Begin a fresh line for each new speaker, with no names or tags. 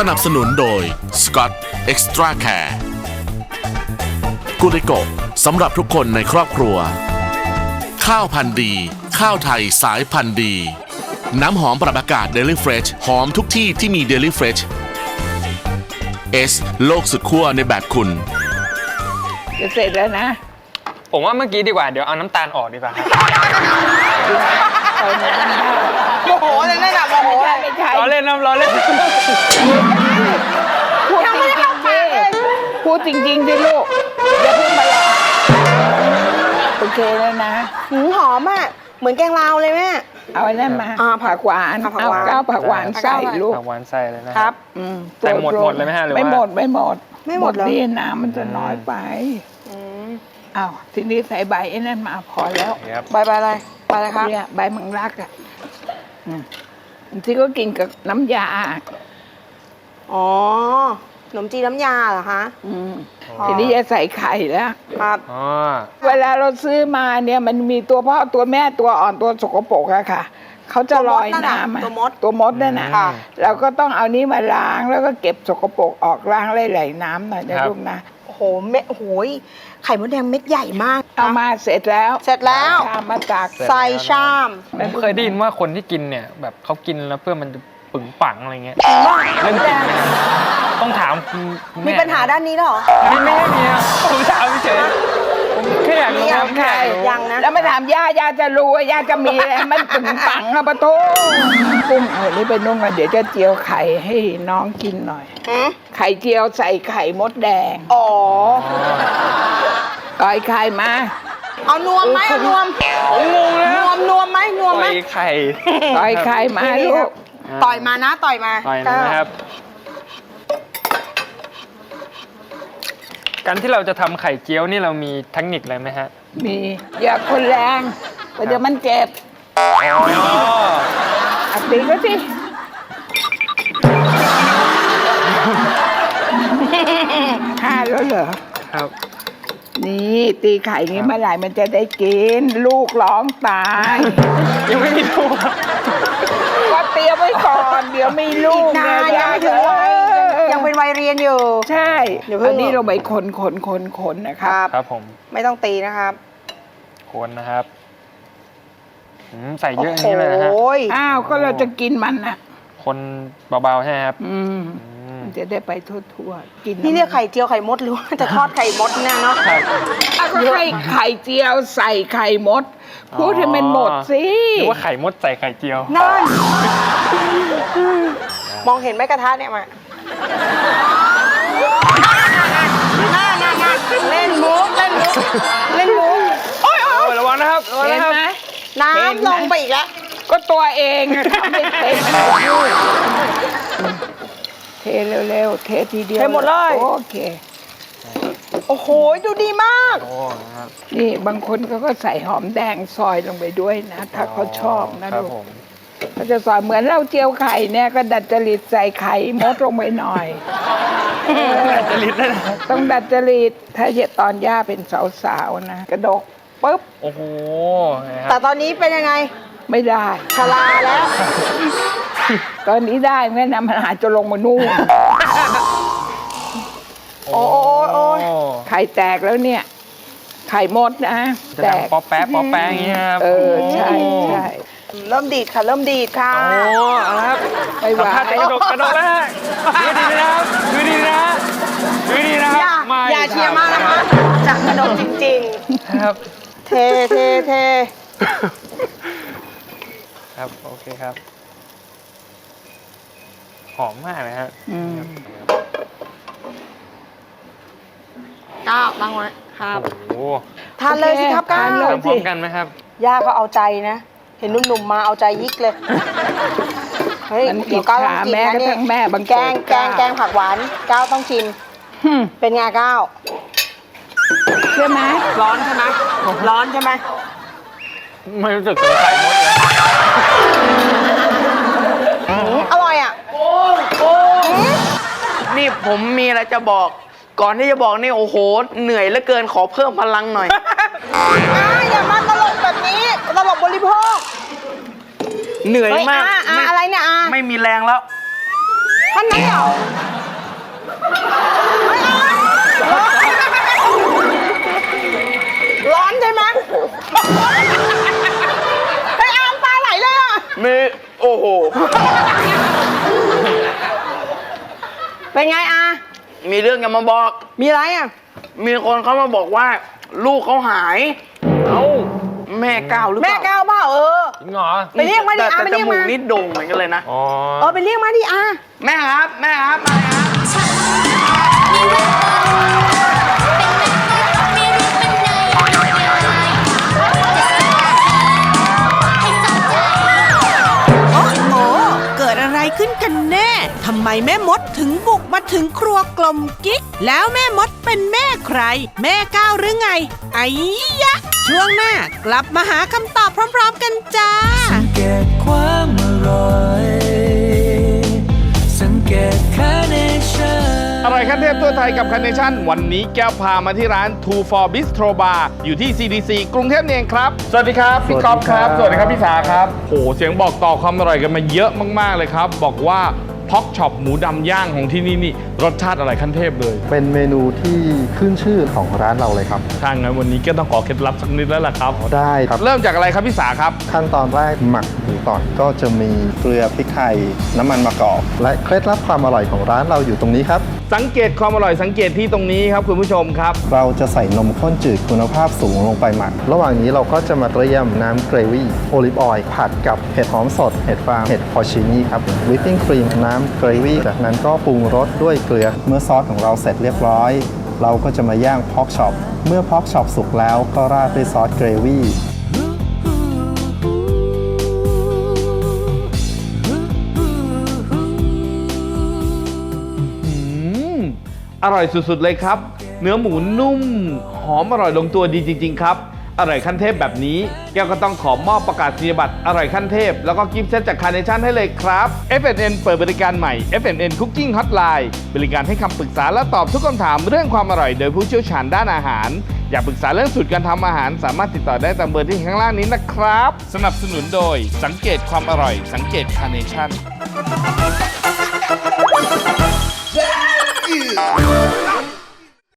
นับสนุนโดย Scott Extra Care กุลิโกะสำหรับทุกคนในครอบครัวข้าวพันธุ์ดีข้าวไทยสายพันธุ์ดีน้ำหอมปรับอากาศ Daily Fresh หอมทุกที่ที่มี Daily Fresh S โลกสุดขั้วในแบบคุณ
จะเสร็จแล้วนะ
ผมว่าเมื่อกี้ดีกว่าเดี๋ยวเอาน้ำตาลออกดีกว่าครับ
โมโหเลยนั่นแหละโมโห
ไม่ใช่
ล้อเล่นน้ำล้อเล่น
พูดจริงๆดิลูกอย่าเพิ่งมาหลอกโอเคแล้วนะ
หอมอ่ะเหมือนแกงลาวเลยแม่
เอาไอ้นั่นมาผักหวานเอาก้าวผักหวานใส่ลูก
ผักหวานใส่เลยนะครับแต่หมดเลยไหมฮะหรือว่า
ไม่หมดนี่น้ำมันจะน้อยไปอ้าวทีนี้ใส่ใบไอ้นั่นมาพอแล้ว
ใบอะไรใบอะไรครับ
เนี่ยใบมังลักอ่ะที่ก็กินกับน้ำยา
อ๋อขนมจีนน้ำยาเหรอคะ
ทีนี้จะใส่ไข่แล้ว
ครับ
เวลาเราซื้อมาเนี่ยมันมีตัวพ่อตัวแม่ตัวอ่อนตัวสกปรกอะค่ะเขาจะลอยน้ำตัวมดนั่นนะเราก็ต้องเอานี้มาล้างแล้วก็เก็บสกปรกออกล้างไหลๆน้ำหน่อยนะลูกนะ
โอ้โหเม็ดโอ้ยไข่มดแดงเม็ดใหญ่มาก
เอามาเสร็จแล้ว
ชามมาตักใส่ชาม
ผมเคยได้ยินว่าคนที่กินเนี่ยแบบเขากินแล้วเพื่อมันจะปึงปังอะไรเงี้ยเรื่องจริงต้องถาม
มีปัญหาด้านนี้หรอ
ไม่มีผมถามเฉยผมแค่อยากรู้ว่า
ใคร
ยังนะ
แล้วมาถามย่าจะรู้ว่าย่าจะมีอะไรมันปึงปังอะปะโถกุ้งเอานี่ไปนุ่งกันเดี๋ยวจะเจียวไข่ให้น้องกินหน่อยไข่เจียวใส่ไข่มดแดง
อ๋อ
ต่อยไข่มา
เอานวมไหมเอานวม
งงเลย
นวมไหม
ต่อยไข่
ต่อยไข่มาลูก
ต่อยมานะต่อยมา
นะครับการที่เราจะทำไข่เจียวนี่เรามีเทคนิคอะไรไหมฮะ
มีอย่าคนแรงเดี๋ยวมันเจ็บตีก็สิฆ่าแล้วเหรอ
ครับ
นี่ตีไข่นี้เมื่อไหร่มันจะได้กินลูกร้องตาย
ยังไม่มีลูก
ก็เตรียมไว้ก่อนเดี๋ยวมีลูก
นะยังเป็นวัยเรียนอยู่
ใช่อันนี้เราไปคนนะครับ
ครับผม
ไม่ต้องตีนะครับ
คนนะครับใส่เยอะนี้เลยนะฮะ
อ้าวก็เราจะกินมันนะ
คนเบาๆใช่ไหมครับ
จะได้ไปทั่วๆกิน
นี่เรียกไข่เจียวไข่มดหรือว่าจะทอดไข่มดเนี่ยเนาะ
ก็ให้ไข่เจียวใส่ไข่มดพูดให้มันหมดสิ
หรือว่าไข่มดใส่ไข่เจียว
นั่นมองเห็นไหมกระทะเนี่ยมาเล่นมุก
โอ้ยระวังนะครับ
เห็นไหม
น้ำลงไปอีกแล้ว
ก็ตัวเองทำไม่เป็นเทเร็วๆเททีเดียว
เทหมดเลย
โอเค
โอ้โหดูดีมาก
นี่บางคนเขาก็ใส่หอมแดงซอยลงไปด้วยนะถ้าเขาชอบนะลูกเขาจะซอยเหมือนเราเจียวไข่เนี่ยก็ดัดจริตใส่ไข่มดลงไปหน่อย
ดัดจริตเลย
ต้องดัดจริตถ้าตอนย่าเป็นสาวๆนะกระดกปุ๊บ
โอ้โห
แต่ตอนนี้เป็นยังไง
ไม่ได้
ชราแล้ว
ตอนนี้ได้แม่นำมันหาจะลงมานู่น
โอ้ย
ไข่แตกแล้วเนี่ยไข่มดนะ
แตกป๊อปแป๊ะอย่างเงี้ยครับ
ใช่
เริ่มดีดค่ะ
โอ้ครับ
ไปหวาน
กระดกแล้วดูดีนะครับดูดีนะครับ
อย่าเชียร์มากนะคะจากกระดกจริง
ๆครับ
เท
ครับโอเคครับหอมมากเลยครับ
ก้าวตั้งไว้ครับ
โอ้
ทานเลยสิครับก้าว
ทานพร้อมกันไหมครับ
ย่าก็เอาใจนะเห็นหนุ่มๆมาเอาใจยิกเลย
เฮ้ยเดี๋ยวก้าวต้องกินนะนี่
แกงผักหวานก้าวต้องชิมเป็นไงก้าว
ใช่ไหม
ร้อนใช่ไหม
ไม่รู้สึกเลยไข่มดเลย
อร่อยอ่ะ
นี่ผมมีอะไรจะบอกก่อนที่จะบอกนี่โอ้โหเหนื่อยเหลือเกินขอเพิ่มพลังหน่อย
อย่ามาตลกแบบนี้ตลกบริโภค
เหนื่อยมาก
อะไรเนี่ย
ไม่มีแรงแล้ว
ขั้นนั้นเหรอร้อนใช่ไหมไอ้อามตาไหลเลยอ่ะ
มีโอ้โห
เป็นไงอา
มีเรื่องจะมาบอก
มีอะไรอ่ะ
มีคนเขามาบอกว่า ลูกเขาหาย
เอ้า
แม่ก้าวหรือเป
แม่
ล่า
ก้าวเปล่า
จริงเหรอ
ไปเรียกมาดิ
แต่
อาไป
จ
เรียก
มู
มาก
นี่โด่งเหมือนกันเลยนะ
อ๋อ
ไปเรียกมาดิอา
แม่ครับ แม่ครับ มาเลยครับ
โอ้โห เกิดอะไรขึ้นกันแน่ ทำไมแม่มดถึงบุกมาถึงครัวกลมกิ๊ก แล้วแม่มดเป็นแม่ใคร แม่ก้าวหรือไง ไอ้ยะ ช่วงหน้ากลับมาหาคำตอบพร้อมๆกันจ้า
สังเกตความอร่อย สังเกตคาเนชั่น
อร่อยขั้นเทพทั่วไทยกับคาร์เนชั่นวันนี้แก้วพามาที่ร้าน Two for Bistro Bar อยู่ที่ CDC กรุงเทพนี่เองครับ สวัสดีครับ พี่ก๊อฟครับ สวัสดีครับ พี่สาครับโอ้เสียงบอกต่อความอร่อยกันมาเยอะมากๆเลยครับ บอกว่าพ็อกช็อปหมูดำย่างของที่นี่รสชาติอะไรขั้นเทพเลย
เป็นเมนูที่ขึ้นชื่อของร้านเราเลยครับ
ถ้างั้นวันนี้ก็ต้องขอเคล็ดลับสักนิดแล้วล่ะครับ
ได้ครับ
เริ่มจากอะไรครับพี่สาครับ
ขั้นตอนแรกหมักหมูก่อนก็จะมีเกลือพริกไทยน้ำมันมะกอก และเคล็ดลับความอร่อยของร้านเราอยู่ตรงนี้ครับ
สังเกตความอร่อยสังเกตที่ตรงนี้ครับคุณผู้ชมครับ
เราจะใส่นมข้นจืดคุณภาพสูงลงไปหมัก ระหว่างนี้เราก็จะมาเตรียมน้ำเกรวี่โอลิฟออยล์ผัดกับเห็ดหอมสดเห็ดฟางเห็ดพอชินี่ครับวิปปิ้งครีมน้ำเกรวี่จากนั้นก็ปรุงรสด้วยเกลือเมื่อซอสของเราเสร็จเรียบร้อย เราก็จะมาย่างพอกช็อปเมื่อพอกช็อปสุกแล้วก็ราดด้วยซอสเกรวี่
อร่อยสุดๆเลยครับ เนื้อหมูนุ่ม หอมอร่อยลงตัวดีจริงๆครับ อร่อยขั้นเทพแบบนี้แก้วก็ต้องขอมอบประกาศนียบัตรอร่อยขั้นเทพแล้วก็กิฟต์เซตจากคาร์เนชั่นให้เลยครับ FNN เปิดบริการใหม่ FNN Cooking Hotline บริการให้คำปรึกษาและตอบทุกคำถามเรื่องความอร่อยโดยผู้เชี่ยวชาญด้านอาหาร อยากปรึกษาเรื่องสูตรการทำอาหารสามารถติดต่อได้ตามเบอร์ที่ข้างล่างนี้นะครับสนับสนุนโดยสังเกตความอร่อยสังเกตคาร์เนชั่น